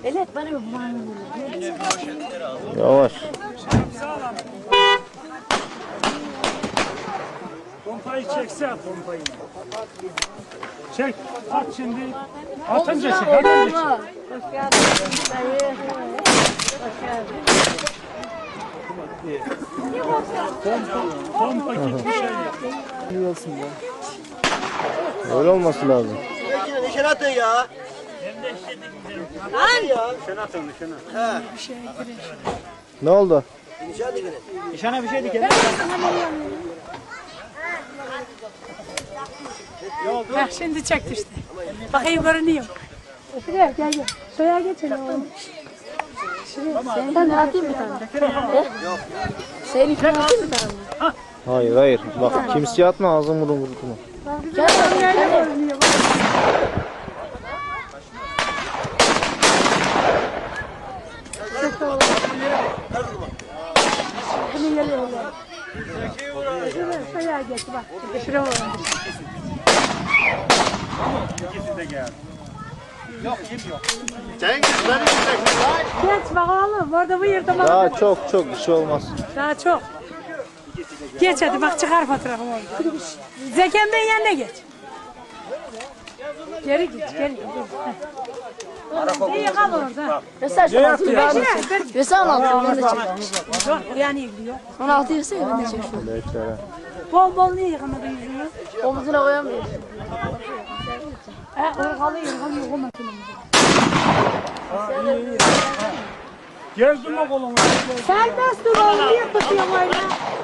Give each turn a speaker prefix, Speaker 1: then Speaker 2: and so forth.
Speaker 1: Evet bana bir
Speaker 2: Yavaş.
Speaker 3: Pompayı çekse at pompayı. Çek, at şimdi. Atınca çek, atınca çek.
Speaker 1: Hoş geldin. Hoş geldin.
Speaker 3: Pompa gibi bir şey yap.
Speaker 2: İyi olsun be. Öyle olması lazım.
Speaker 4: Nişan atın ya.
Speaker 3: Nişan atın, nişan at.
Speaker 2: Ne oldu?
Speaker 4: Nişan dikene.
Speaker 3: Nişana bir şey dikelim.
Speaker 5: Heh, şimdi çekti işte. Bakayım görünüyor.
Speaker 1: Şuraya gel gel. Şuraya geçelim oğlum. Senden de atayım bir tane. Yok. Senin için atayım bir tane.
Speaker 2: Hayır hayır. Bak kimseye atma ağzını vurun vurun.
Speaker 1: Gel nerede görünüyor? Bunu geliyor. Şuraya geç bak. Şuraya var.
Speaker 3: İkisi de geldi. Yok, yem yok.
Speaker 4: Cengiz beni gideceksin lan.
Speaker 5: Geç bak oğlum. Orada bu yerde bak.
Speaker 2: Daha çok bir şey olmaz.
Speaker 5: Daha çok. Geç hadi bak çıkar fotoğrafımı orada. Zeken Bey'in yanına geç. Geri git, geri git. İyi kal orada.
Speaker 1: Mesela şu altı Mesela 16 ben de çekeyim.
Speaker 5: Yok, yani gidiyor.
Speaker 1: 16 yese ben de çekeyim.
Speaker 2: Beklere.
Speaker 5: Bol bol niye yıkamadın yüzünü?
Speaker 1: Omuzuna koyamıyorum.
Speaker 5: Irgalı yıkamadın.
Speaker 3: Gezdim o kolumu.
Speaker 5: Serbest dur oğlum, niye tutuyorsun öyle?